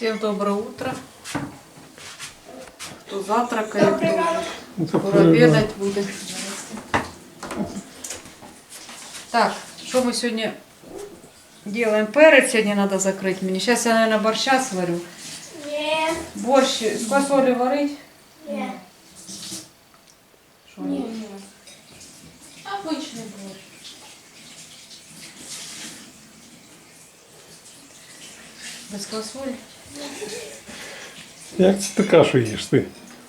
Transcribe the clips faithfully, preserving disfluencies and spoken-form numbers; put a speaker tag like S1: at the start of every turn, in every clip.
S1: Всем доброе утро. Кто завтракает, кто скоро обедать будет. Так, что мы сегодня делаем? Перец сегодня надо закрыть мне. Сейчас я, наверное, борща сварю.
S2: Нет.
S1: Борщ с фасолью варить?
S2: Нет.
S1: Что? Нет. Обычный борщ. Без фасоли?
S3: Як це ти кашу їш ти?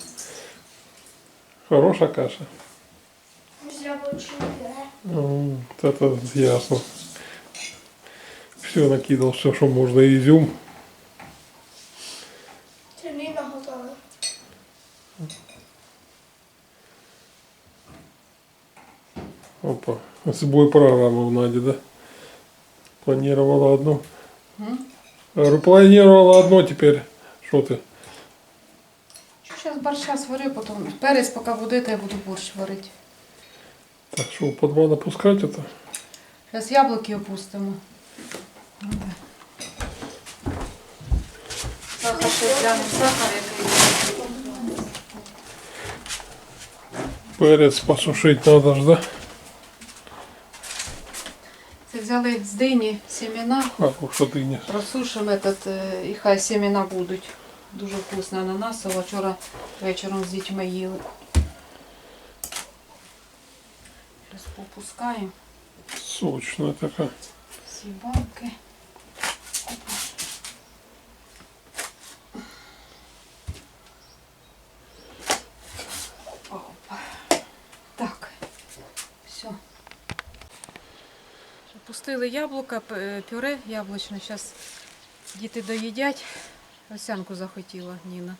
S3: Хороша каша.
S2: С рабочим пюре.
S3: Ну, вот это ясно. Все накидал, все, что можно, и изюм.
S2: Термина готова.
S3: Опа. С собой программа в Наде, да? Планировала одно.
S1: М?
S3: Говорю, планировала одно теперь. Что ты?
S1: Сейчас борща сварю, потом перец пока будет, я буду борщ варить.
S3: Так, что, в подвал опускать это?
S1: Зараз яблуки опустимо. Сахар ще глянемо, сахар який.
S3: Перец посушить надо ж, да?
S1: Це взяли з дині семена,
S3: Хороша дыня.
S1: просушимо этот, е, і хай семена будуть. Дуже вкусне ананасово. Вчора вечором з дітьми їли. Зараз попускаємо
S3: Сочная такая.
S1: всі банки. Опа. Так, все. Пустили яблука, п- пюре яблучне. Зараз діти доїдять. Овсянку захотіла Ніна.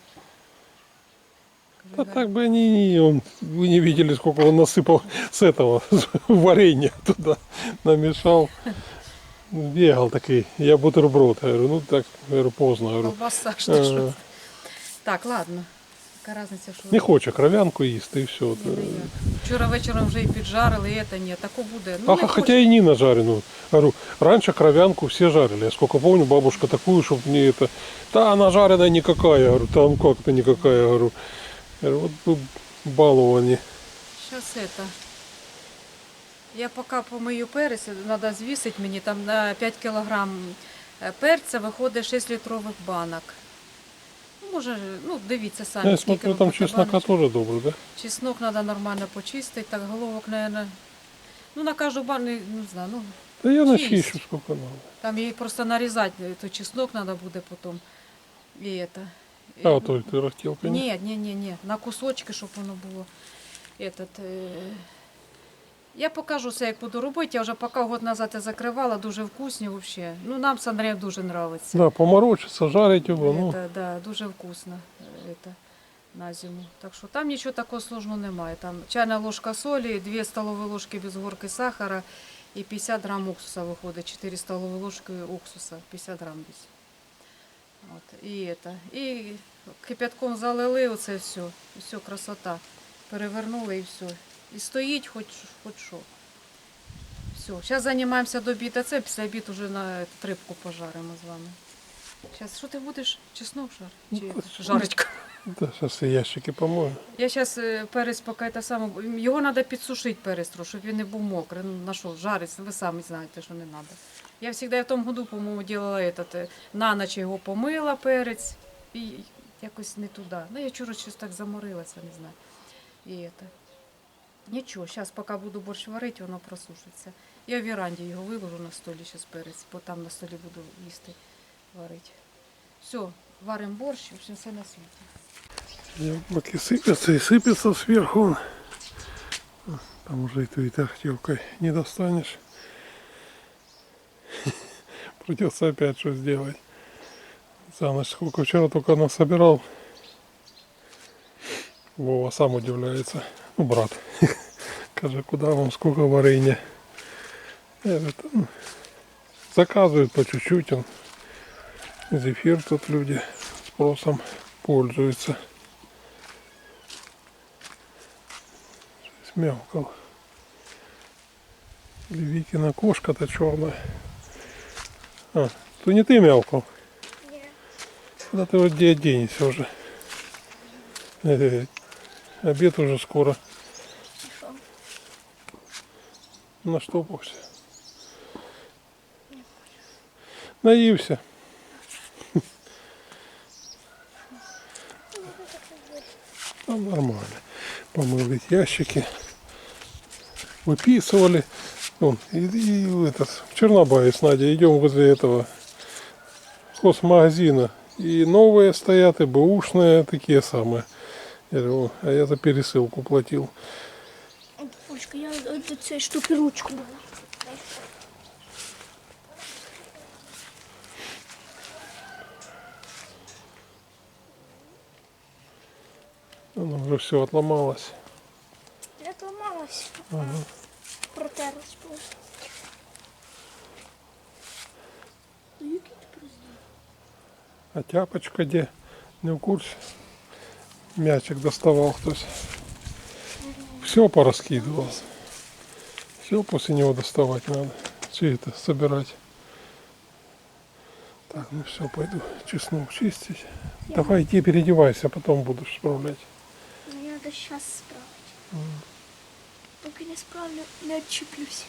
S3: Да так бы они, не- он, вы не видели, сколько он насыпал с этого с варенья туда, намешал. Бегал такой, я бутерброд. Я говорю, ну так, говорю, поздно. Говорю.
S1: Колбаса, що
S3: Е,
S1: що. Так, ладно. Яка різниця, що
S3: Не хоче кров'янку їсти і все.
S1: Ні, не я. Вчора вечором вже і піджарили, і це ні, тако буде. Ну,
S3: А,
S1: не
S3: хотя
S1: хоче.
S3: и Нина жареную. Говорю, раньше кров'янку все жарили. Я сколько помню, бабушка такую, чтобы мне это... Да, она жареная никакая. Я говорю, там как-то никакая. Я говорю, я говорю, вот вы баловани.
S1: Зараз это. Я поки помию перець, треба звісити мені, там на п'ять кілограм перця виходить шість літрових банок. Ну, може, ну, дивіться самі,
S3: Я
S1: скільки
S3: смотрю,
S1: ви
S3: там
S1: будете
S3: чеснока
S1: баночок.
S3: тоже добрый, да?
S1: Чеснок треба нормально почистити, так головок, мабуть, ну на кожну банку, не знаю, ну
S3: Да я
S1: Чисть.
S3: начищу сколько надо.
S1: там її просто нарізати, то чеснок треба буде потім. І это.
S3: А вот той ты растелка, не?
S1: Ні, ні, ні, ні, на кусочки, щоб воно було. Этот, е... Я покажу все, як буду робити. Я вже поки год назад я закривала, дуже вкусні взагалі. Ну, нам з Андрієм дуже подобається.
S3: Да, поморочиться, жарить его, ну.
S1: Это, да, дуже вкусно е, это, на зиму. Так що там нічого такого сложного немає. Там чайна ложка солі, дві столові ложки без горки сахара і п'ятдесят грам уксуса виходить. чотири столові ложки уксуса, п'ятдесят грам десь. От, і, это, і кипятком залили оце все, і все, красота. Перевернули і все. І стоїть хоч, хоч що. Все, зараз займаємося до обіду, а це після обіду вже на ету, рибку пожаримо з вами. Зараз, що ти будеш? Чеснок жарити? Чи жарочка?
S3: Да, сейчас я ящики помою.
S1: Я зараз перець поки те саме, його треба підсушити перець, трошки, щоб він не був мокрий. Ну, на що, жариться, ви самі знаєте, що не треба. Я завжди в тому году, по-моєму, робила этот, на ніч його помила перець і якось не туди. Ну, я вчора щось так заморилася, не знаю. І это. Нічого, зараз поки буду борщ варити, воно просушиться. Я в віранді його виложу на столі, зараз перець, бо там на столі буду їсти, варити. Все, варимо борщ, в общем, все на світі.
S3: Яблоки сыпятся и сыпятся сверху. Там уже и ты и так телкой не достанешь. Придется опять что сделать. За ночь сколько вчера только насобирал. Вова сам удивляется. Ну, брат. Скажи, куда вам сколько варенья? Я говорю, «Ну, заказывают по чуть-чуть. Он. Зефир тут люди спросом пользуются. Мяукал. Или Викина кошка-то черная. А, то не ты мяукал.
S2: Нет.
S3: Куда ты вот где оденешься уже? Э, Обед уже скоро.
S2: Що?
S3: Наштопався. Наївся. Там нормально. Помыли ящики. Выписывали. Вон, и, и этот, в Чернобае с Надей идем возле этого хозмагазина. И новые стоят, и бэушные такие самые. Я говорю, «О, а я за пересылку платил».
S2: Папулечка, я до цієї штуки ручку дала.
S3: Оно уже все отломалось.
S2: Я зламалась.
S3: Ага.
S2: Протерлась просто. Ну, який ти просто?
S3: А тяпочка где? Не в курсе. Мячик доставал кто-то. Все пораскидывал. Все после него доставать надо. Все это собирать. Так, ну все, пойду чеснок чистить.
S2: Я-
S3: Давай иди переодевайся, потом будешь справлять.
S2: Мені треба зараз справити. Поки не справлю, не відчіплюсь.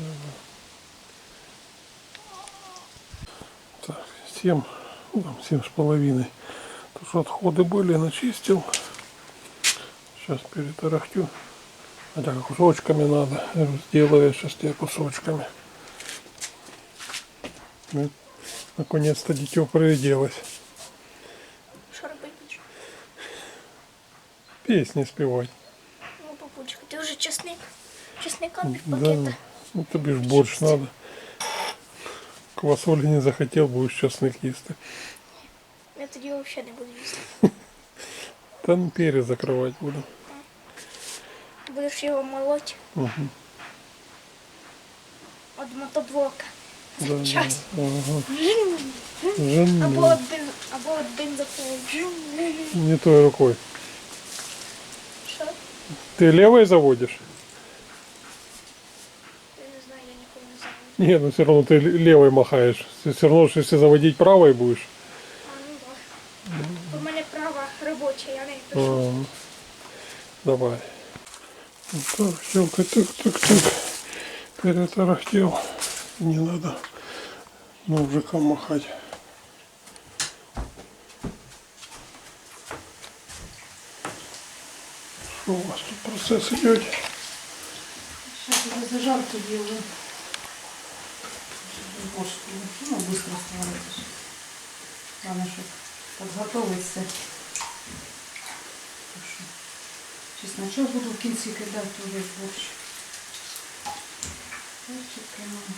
S3: Так, семь, ну, там семь с половиной. Тут что отходы были, начистил. Сейчас перетарахтю. Хотя кусочками надо. Я говорю, сделаю я сейчас тебе кусочками. Ну, наконец-то дитё приоделось.
S2: Що робити будеш?
S3: Песни спевать.
S2: Ну, папулечка, ти вже чесник. Чесника пів
S3: Да,
S2: пакета.
S3: ну тебе ж борщ надо. Квасоли не захотел, будешь чесник есть.
S2: Я тоді взагалі не буду їсти.
S3: Там перец закрывать буду.
S2: Будеш його молоть
S3: Угу.
S2: від мотоблока.
S3: Да, да.
S2: Час.
S3: Ага.
S2: Або
S3: Жен-
S2: від бен... або від бензопилу.
S3: Не той рукой.
S2: Що?
S3: Ты левой заводишь?
S2: Я не знаю, я ніколи не знаю.
S3: Нет, ну все равно ты левой махаешь. Все равно, что если заводить правой будешь.
S2: А, ну так. У мене права робоча, я не пишу.
S3: А, давай. Вот так, щелкай, так, так, так. Перетарахтел. Не надо ножиком махать. Что у вас тут процесс идет?
S1: Сейчас уже зажарку делаю. Борщ, ну, быстро сварится. Главное, чтобы подготовиться. Так що чесночок буду в кінці кидати уже в борщ. Перчик прямо.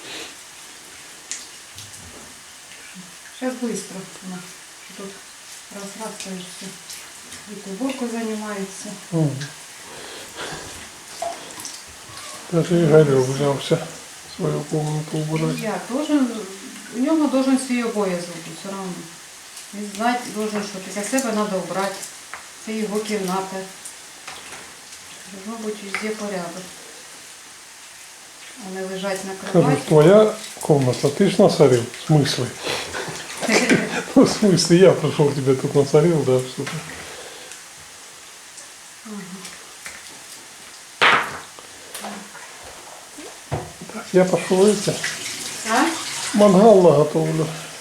S1: Сейчас быстро. Ну, что тут раз-раз, то есть все. Вика уборку занимается.
S3: Мгм. Даже Игорек взялся свою комнату убрать.
S1: Я должен, у нього должен свій обов'язок бути все одно. Він знати должен, що після себе треба убрати. Це його кімната. Должно бути везде порядок. А не лежать на
S3: Скажи,
S1: кроваті.
S3: твоя комната, ты ж насорил? В смысле? Ну, в смысле, я пришел, тебе тут насорил, да, что-то. Так, я пошел эти,
S1: А?
S3: мангал наготовлю.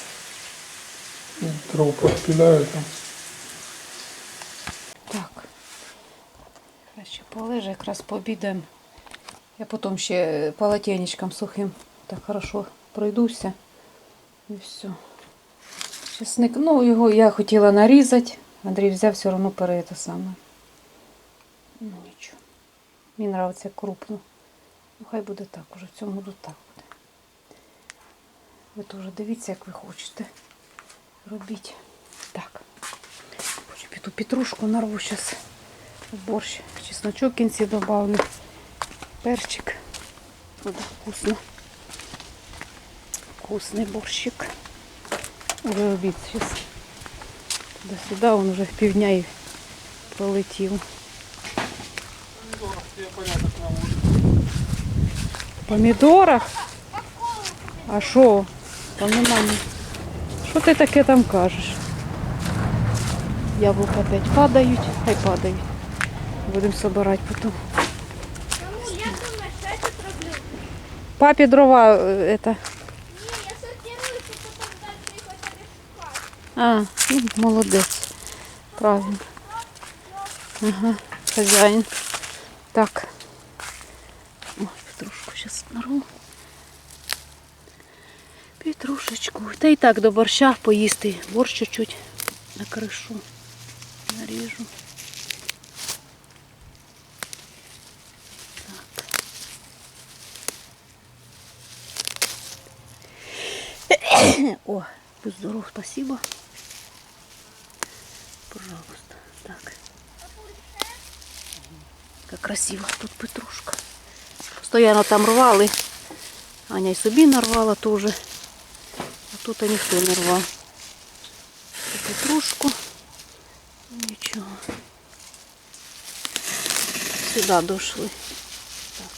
S3: Дров подпиляю там.
S1: Так. Краще полежи, якраз пообідаємо. Я потім ще полотенечком сухим так хорошо пройдуся. І все. Чесник, ну його я хотіла нарізати. Андрій взяв все одно пере те саме. Ну нічого. Мені подобається крупно. Ну хай буде так, уже в цьому году так буде. Ви теж дивіться, як ви хочете. Робіть. Так. Хочу піду петрушку нарву зараз. В борщ. Чесночок в кінці добавлю. Перчик. Буде вкусно. Вкусний борщик. Уже обід зараз. Туди-сюди, він вже півдня і пролетів. В помідорах? А що? Там нема ні. Що ти таке там кажеш? Яблука опять падають, хай падають. Будемо збирати потім.
S2: Тому я думаю, що я тут роблю.
S1: Папі дрова, е, это.
S2: Ні, я сортирую, щоб потім далі приїхати шукати.
S1: А, ну, молодець. Правильно. Ага, хазяїн. Так. Ой, петрушку зараз нарву. Петрушечку. Та і так до борща поїсти. Борщ чуть-чуть на кришу наріжу. Так. О, будь здоров, спасибо. Пожалуйста. Так. Как красиво тут петрушка. Постоянно там рвали. Аня й собі нарвала теж. А тут і ніхто не рвав. Цю петрушку. Нічого. Сюди дійшли. Так.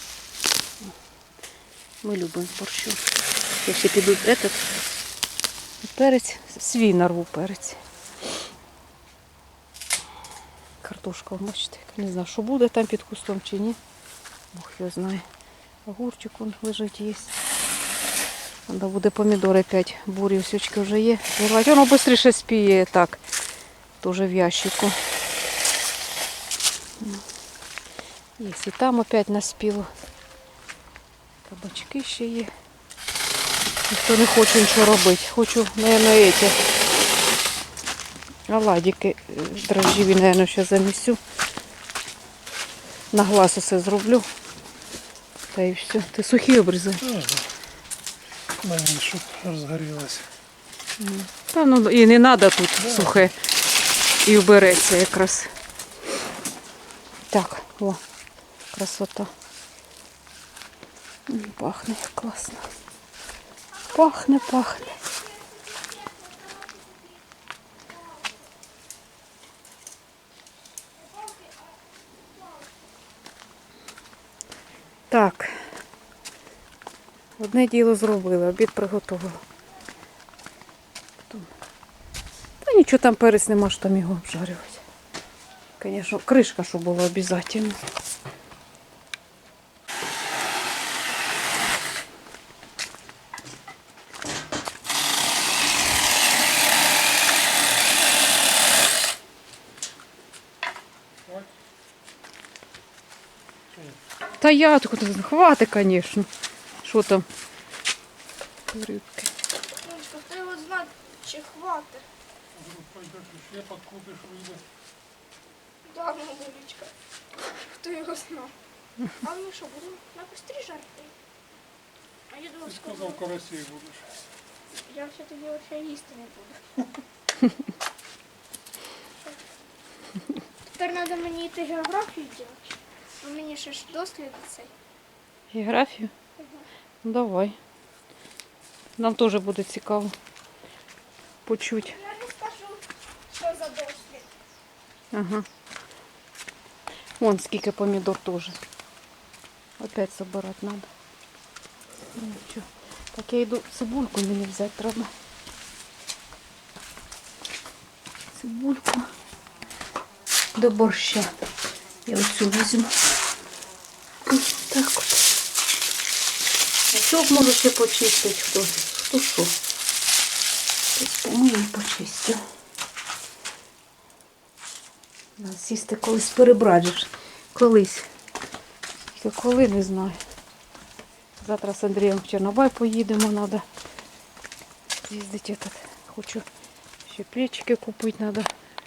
S1: Ми любимо борщу. Я ще піду этот перець, свій нарву перець. Картошка, бачите, не знаю, що буде там під кустом чи ні. Бог його знає. Огурчик он лежить є. Треба буде помідори опять. Бурі осючки вже є. Воно швидше спіє так. Теж в ящику. Є і там опять наспіло. Кабачки ще є. Ніхто не хоче нічого робити. Хочу, мабуть, эти оладики дрожжеві, мабуть, ще замісю. На глаз усе зроблю. Та і все. Ти сухі обрізай.
S3: Навіть, щоб розгорілося.
S1: Та ну і не треба тут
S3: Да.
S1: сухе. І вбереться якраз. Так, о, красота. М, Пахне як класно. Пахне, пахне. Так. Одне діло зробили, обід приготувала. Потім. Та нічого там перець нема, що там його обжарювати. Звісно, кришка, що була обов'язково. Та я тут хватить, звісно. Що там? Рибки.
S2: Сонечко, хто його знає, чи хватить.
S3: Ще підкупиш, вийде.
S2: Да, мамулечка. Хто його знав. А ми що, будемо на кострі жарити? А я думав,
S3: Ти
S2: скоро.
S3: сказав, карасей будеш.
S2: Я все тоді взагалі їсти не буду. Тепер треба мені йти географію робити. А мені ще ж дослід цей.
S1: Географію? Ну, давай. Нам теж буде цікаво почути.
S2: Я не скажу, що за дослід.
S1: Ага. Вон скільки помідор теж. Опять собирати треба. Нічого. Так я йду цибульку мені взяти треба. Цибульку до борща. Я оцю візьму. Ось так от. А що можу ще почистити хтось? Хто що? Хтось помиє і почистив. Надо сісти колись перебраджиш. Колись. Тільки коли, не знаю. Завтра з Андрієм в Чорнобай поїдемо, треба їздити. Этот. Хочу ще печки купити, треба.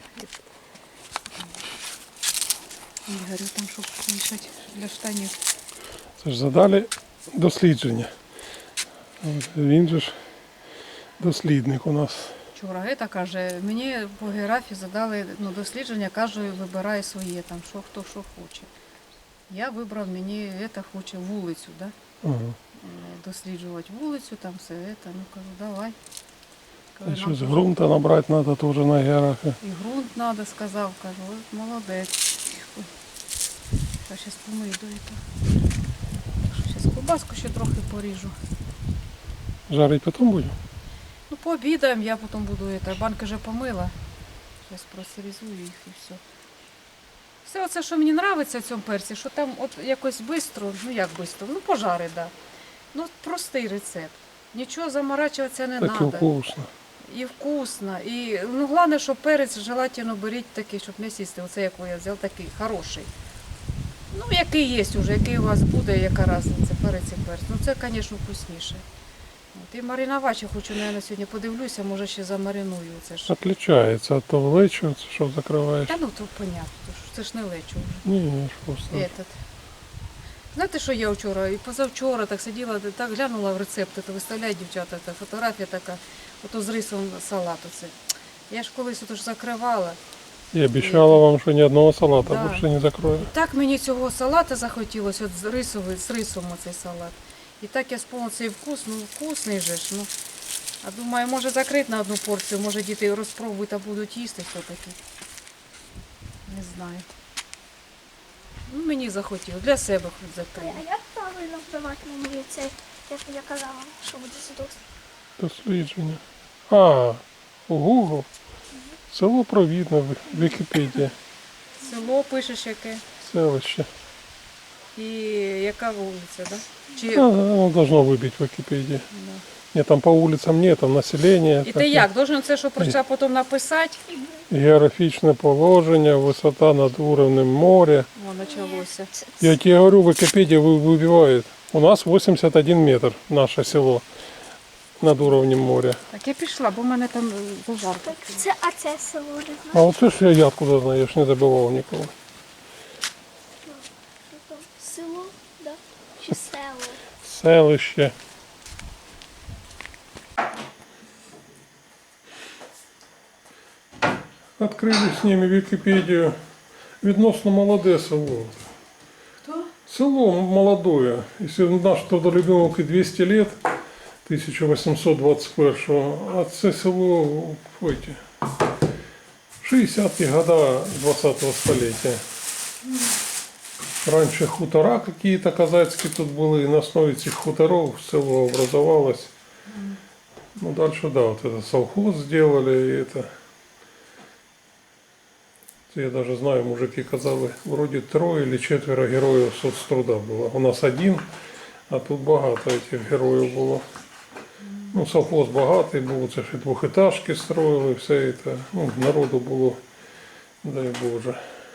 S1: Я говорю, там, щоб мішати для штанів.
S3: Це ж задали дослідження. От Він же ж дослідник у нас.
S1: Вчора Гета каже, мені по географії задали ну, дослідження, каже, вибирай своє, там, що хто що хоче. Я вибрав, мені Гета хоче вулицю, да?
S3: Ага.
S1: Е, досліджувати вулицю, там все це. Ну, кажу, давай.
S3: А
S1: Кажу,
S3: що
S1: нам
S3: з
S1: теж
S3: ґрунта набрати треба теж на географію.
S1: і ґрунт треба, сказав, кажу, от молодець. Ой. Я зараз помию до этого. Зараз ковбаску ще трохи поріжу.
S3: Жарить потім будемо?
S1: Ну, пообідаємо, я потім буду, это, банки вже помила. Зараз простерилізую їх і все. Все оце, що мені подобається в цьому перці, що там от якось швидко, ну як швидко, ну пожари, да. Ну простий рецепт. Нічого заморачуватися не
S3: Так і
S1: треба.
S3: вкусно.
S1: І вкусно. І ну, головне, щоб перець желательно беріть такий, щоб не сісти. Оце який я взяв, такий хороший. Ну, який є вже, який у вас буде, яка різниця, перець і перець. Ну це, звісно, вкусніше. От. І маринувати ще хочу, наверное, сьогодні подивлюся, може ще замариную. Це ж.
S3: Отличается от того лечу, що закриваєш.
S1: Та ну то понятно, то ж це ж не лечу вже.
S3: Ні, ні, ж просто.
S1: Этот. Знаєте, що я вчора і позавчора так сиділа, так глянула в рецепти, то виставляють дівчата, та фотографія така, ото з рисом салат оце. Я ж колись ото ж закривала.
S3: Я обіцяла вам, що ні одного салата
S1: Да.
S3: більше не закрою.
S1: І так мені цього салата захотілося, от з рисовий, з рисом оцей салат. І так я спомнила цей вкус, ну вкусний же ж. Ну. А думаю, може закрити на одну порцію, може діти розпробують, а будуть їсти все-таки. Не знаю. Ну, мені захотілося, для себе хоч
S2: А
S1: закрити.
S2: як правильно вбивати мені це, як я казала, що буде задос?
S3: Дослідження. А, у Google. Село Провідне в Вікіпедії.
S1: Село пишеш яке.
S3: Селище.
S1: І яка вулиця, да? Чи...
S3: А, оно должно выбить в Википедии.
S1: Да.
S3: Нет, там по улицам нет, там население.
S1: І
S3: так,
S1: ти як, должен це, що прочитав, потім написати?
S3: Географічне положення, висота над уровнем моря.
S1: О, почалося.
S2: Це-
S3: Я тебе говорю, Википедия вы- выбивает. У нас восемьдесят один метр, наше село, над уровнем моря.
S1: Так я пішла, бо в мене там зажарка.
S2: Так, це, а це село, не знаю.
S3: А оце ж я, я откуда знаю, я ж не забивав ніколи.
S2: Що там? Село, да? Чи село?
S3: Селище. Открили з ними Википедію. Відносно молоде село.
S1: Хто?
S3: Село молодое. Если наш трудолюбимовки двести лет, тысяча восемьсот двадцать один, а це село пойте, шестидесятые года двадцатого столетия. Раньше хутора какие-то казацкие тут были, и на основе этих хуторов село образовалось. Ну дальше, да, вот это совхоз сделали, и это... Я даже знаю, мужики казали, вроде трое или четверо героїв соцтруда було. У нас один, а тут багато этих героїв було. Ну, совхоз багатий був, це ж і двохетажки строїли, все це. Ну, народу було, дай Боже.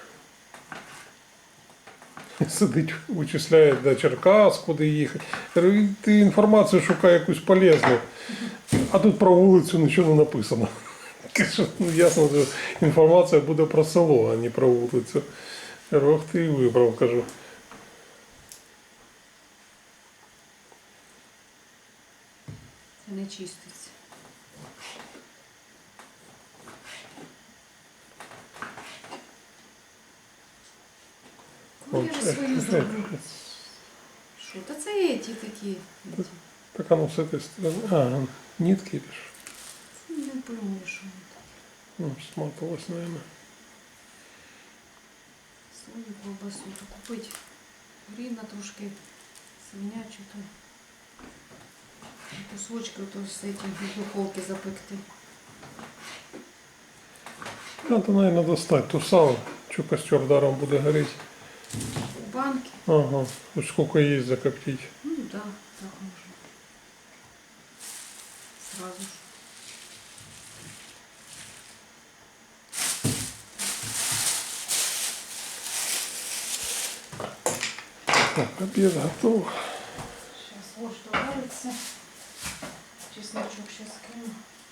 S3: Сидить, вичисляє до Черкас, куди їхати. Кажу, ти інформацію шукай якусь полезну, а тут про вулицю нічого не написано. Кажу, ну, ясно, що інформація буде про село, а не про вулицю. Кажу, ах ти і вибрав, кажу.
S1: Це не чиститься. Ну, я ж свої зроблю. Що? Та це ті такі.
S3: Так оно с этой стороны. А, нитки лишь.
S1: Не пойму, що воно там.
S3: Ну, сматывалось, наверное.
S1: Свою колбасу то купити. Гріна трошки свинячу, то кусочки то з цим в духовці запекти.
S3: Надо, наверное, достать ту сало, что костер даром будет гореть.
S1: У банки.
S3: Ага, хоть сколько есть закоптить.
S1: Ну да, так можна. Сразу ж.
S3: Так, обед готов.
S1: Сейчас вот что варится. Чесночок сейчас кину.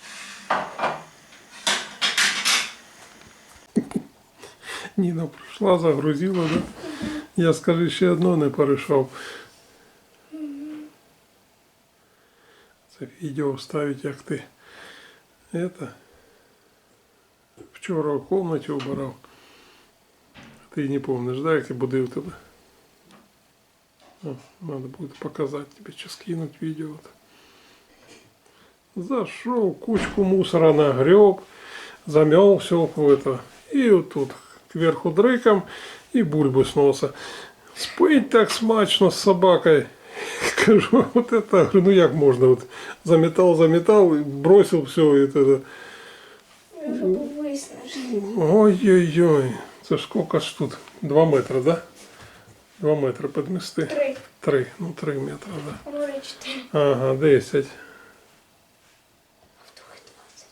S3: Ніна прийшла, загрузила, да? Я, скажи, ще одно не порішав. Це відео вставить, як ти это, вчора в комнаті убирав. Ти не помниш, да, як я будив тебе? О, надо будет показать тебе, сейчас скинуть видео. Зашел, кучку мусора нагреб, замел все в это. И вот тут кверху дрыком и бульбу с носа. Спить так смачно с собакой. Скажу, вот это, говорю, ну як можно, вот заметал, заметал, и бросил все это.
S2: Я вже був виснеш.
S3: Ой-ой-ой. Це ж скільки ж тут? Два метри, да? Два метри підмести.
S2: Три.
S3: Три. Ну, три метри, да.
S2: Ролі чотири.
S3: Ага, десять.
S2: Вдруг двадцять.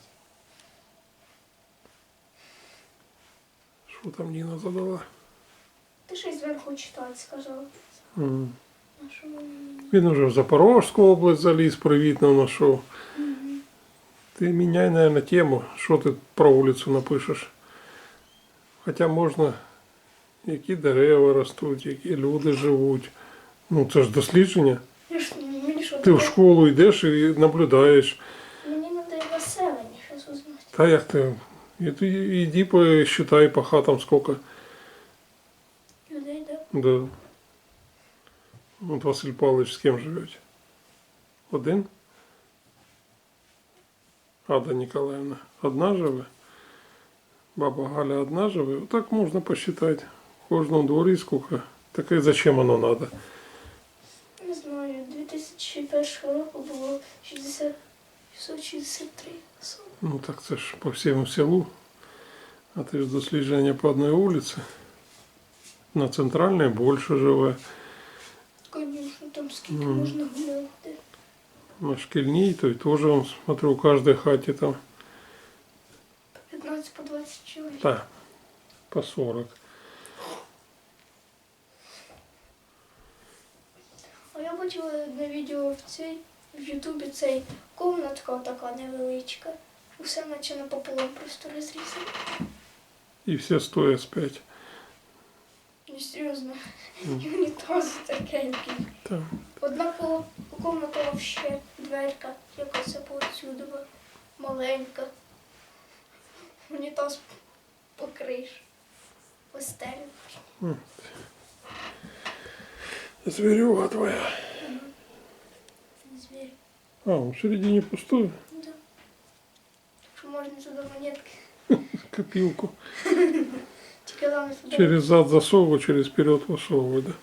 S3: Що там Ніна задала?
S2: Ти ще й зверху читати сказав.
S3: М.
S2: А що мені?
S3: Він уже в Запорожську область заліз, привітно знайшов. Ти міняй, мабуть, тему, що ти про вулицю напишеш. Хоча можна, які дерева ростуть, які люди живуть. Ну, це ж дослідження.
S2: Я ж- Мені що
S3: Ти в
S2: таке?
S3: школу йдеш і наблюдаєш.
S2: Мені треба населення щось узнати.
S3: Та як ти? І ти йди посчитай по хатам скільки.
S2: Людей, да?
S3: Да. От Василь Павлович з ким живете? Один? Ада Ніколаївна одна живе? Баба Галя одна живе? Так можна посчитати. В кожному дворі скільки. Так і зачем воно треба?
S2: Не знаю, дві тисячі першого року було шістдесят, шістсот шістдесят три особи.
S3: Ну так це ж по всьому селу. А ти ж дослідження по одній вулиці. На центральній більше живе.
S2: Конечно, там скільки
S3: Мгм.
S2: можна гуляти.
S3: На шкільній, то й теж, я смотрю, у кожній хаті там,
S2: По п'ятнадцять, по двадцять чоловік.
S3: та, по сорок.
S2: А я бачила на відео в цей в Ютубі цей комнатка така невеличка. Усе наче напополам просто розрізали.
S3: І всі стоять спять.
S2: Не серйозно.
S3: Мгм.
S2: І унітаз такенький.
S3: Та.
S2: Одна по комната вообще дверка, якась повсюди маленька. Унітаз покриш. Постелю.
S3: Зверюга твоя.
S2: Звір.
S3: А, он в середине пустой.
S2: Да. Так що можна туди монетки.
S3: Копилку.
S2: Тільки головне туди.
S3: Через зад засовывать, через вперед высовывать, да?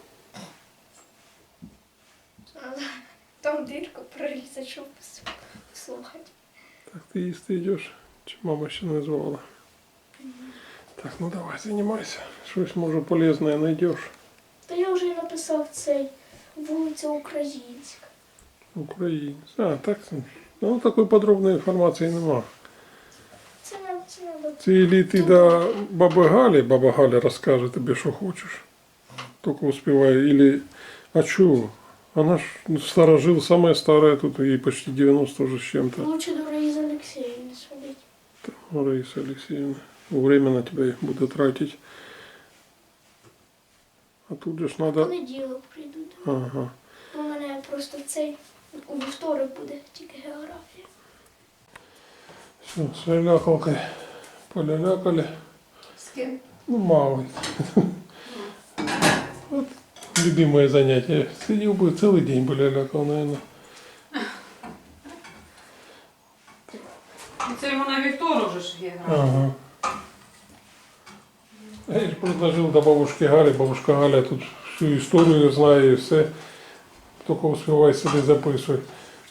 S2: Надо там дырку прорізати, щоб слухати.
S3: Так ты если идешь, чем мама еще назвала. Так, ну давай, занимайся. Что-то, может, полезное найдешь.
S2: Та я вже написав цей вулиця Українська.
S3: Украинец. А, так, ну такой подробной информации нема.
S2: Це надо, це надо.
S3: Ты или ты до бабы Гали, баба Галя расскажет тебе, что хочешь. Только успевай. Или, а чё? Она ж старожил, самая старая, тут ей почти девяносто уже с чем-то.
S2: Лучше до Раїси Олексіївни сходити.
S3: Ну, Раиса Алексеевна, время на тебя будет тратить. А тут же ж
S2: В
S3: надо...
S2: понеділок прийду.
S3: Ага.
S2: У мене просто цей у вівторок буде тільки географія.
S3: Все, с лялякалкой полялякали.
S1: З ким?
S3: Ну, мало. Вот любимое занятие. Сидел бы целый день бы лялякал, наверное.
S1: Ну, це йому на вівторок вже ж є гра.
S3: Ага. Я ж предложил до бабушки Гали. Бабушка Галя тут всю историю знает и все. Только успевай себе записывать.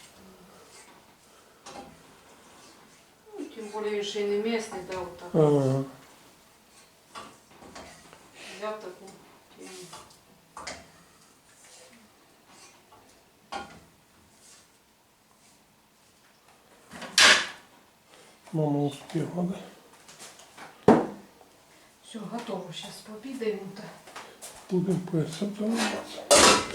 S1: Ну, тим більше він ще й не місний, да, отак.
S3: Ага.
S1: Взяв таку тему.
S3: Мама успела, да?
S1: Все, готово. Зараз пообідаємо. Та.
S3: Будем перцем заниматься.